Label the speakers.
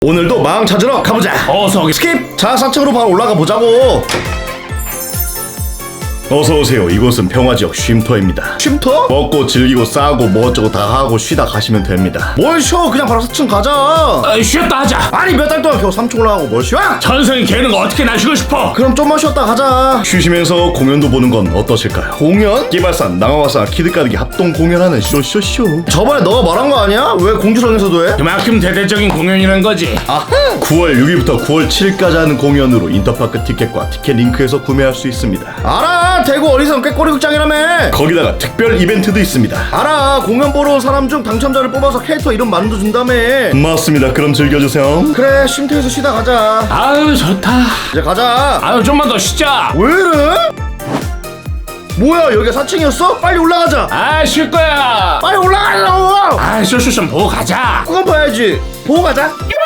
Speaker 1: 오늘도 망 찾으러 가보자.
Speaker 2: 어서 오게.
Speaker 1: 스킵! 자, 4층으로 바로 올라가 보자고. 어서오세요. 이곳은 평화지역 쉼터입니다. 쉼터? 먹고 즐기고 싸고 뭐 어쩌고 다 하고 쉬다 가시면 됩니다. 뭘 쉬어? 그냥 바로 4층 가자.
Speaker 2: 쉬었다 하자.
Speaker 1: 아니 몇 달 동안 겨우 3층 올라가고 뭘 쉬어?
Speaker 2: 전생에 개는 어떻게 날 쉬고 싶어?
Speaker 1: 그럼 좀만 쉬었다 가자. 쉬시면서 공연도 보는 건 어떠실까요? 공연? 기발산, 낭화와사, 키드가득이 합동 공연하는 쇼쇼쇼. 저번에 너가 말한 거 아니야? 왜 공주성에서도 해?
Speaker 2: 그만큼 대대적인 공연이란 거지.
Speaker 1: 아하! 9월 6일부터 9월 7일까지 하는 공연으로 인터파크 티켓과 티켓 링크에서 구매할 수 있습니다. 알아! 대구 어리선 꾀꼬리 극장이라며! 거기다가 특별 이벤트도 있습니다. 알아! 공연 보러 온 사람 중 당첨자를 뽑아서 캐릭터 이름 만들어준다며. 맞습니다. 그럼 즐겨주세요. 그래, 쉼터에서 쉬다 가자.
Speaker 2: 아유 좋다.
Speaker 1: 이제 가자.
Speaker 2: 아유 좀만 더 쉬자.
Speaker 1: 왜 이래? 뭐야, 여기가 4층이었어? 빨리 올라가자.
Speaker 2: 아 쉴 거야.
Speaker 1: 빨리 올라가려고.
Speaker 2: 아 쇼쇼 좀 보고 가자.
Speaker 1: 그건 봐야지. 보고 가자.